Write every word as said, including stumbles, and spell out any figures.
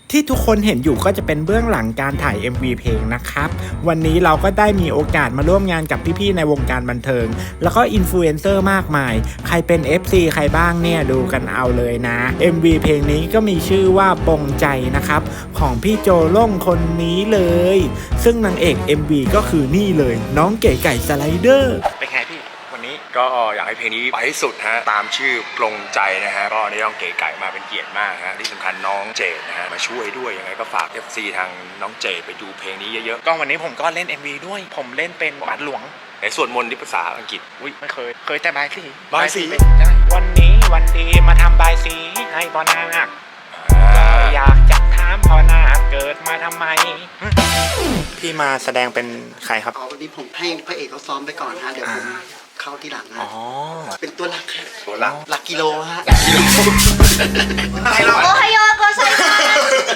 ที่ทุกคนเห็นอยู่ก็จะเป็นเบื้องหลังการถ่าย เอ็ม วี เพลงนะครับวันนี้เราก็ได้มีโอกาสมาร่วมงานกับพี่ๆในวงการบันเทิงแล้วก็อินฟลูเอนเซอร์มากมายใครเป็น เอฟ ซี ใครบ้างเนี่ยดูกันเอาเลยนะ เอ็ม วี เพลงนี้ก็มีชื่อว่าปงใจนะครับของพี่โจล่งคนนี้เลยซึ่งนางเอก เอ็ม วี ก็คือนี่เลยน้องเก๋ไก่สไลเดอร์เป็นไงพี่วันนี้ก็อยากให้เพลงนี้ไปให้สุดฮะตามชื่อปลงใจนะฮะก็ได้น้องเก๋ไก่มาเป็นเกียรติมากฮะที่สำคัญน้องเจดนะฮะมาช่วยด้วยยังไงก็ฝาก เอฟ ซี ทางน้องเจดไปดูเพลงนี้เยอะๆก็วันนี้ผมก็เล่น เอ็ม วี ด้วยผมเล่นเป็นบาทหลวงในสวดมนต์ที่ภาษาอังกฤษอุ้ยไม่เคยเคยแต่บายสีบายสีวันนี้วันดีมาทำบายสีให้พ่อนาคอยากจะถามพ่อนาคเกิดมาทำไมพี่มาแสดงเป็นใครครับอ๋อวันนี้ผมให้พระเอกเขาซ้อมไปก่อนฮะเดี๋ยวผมเข้าที่หลังนะเป็นตัวหลักฮะตัวหลักหลักกิโลฮะกิโลโอไฮโอโกไซมา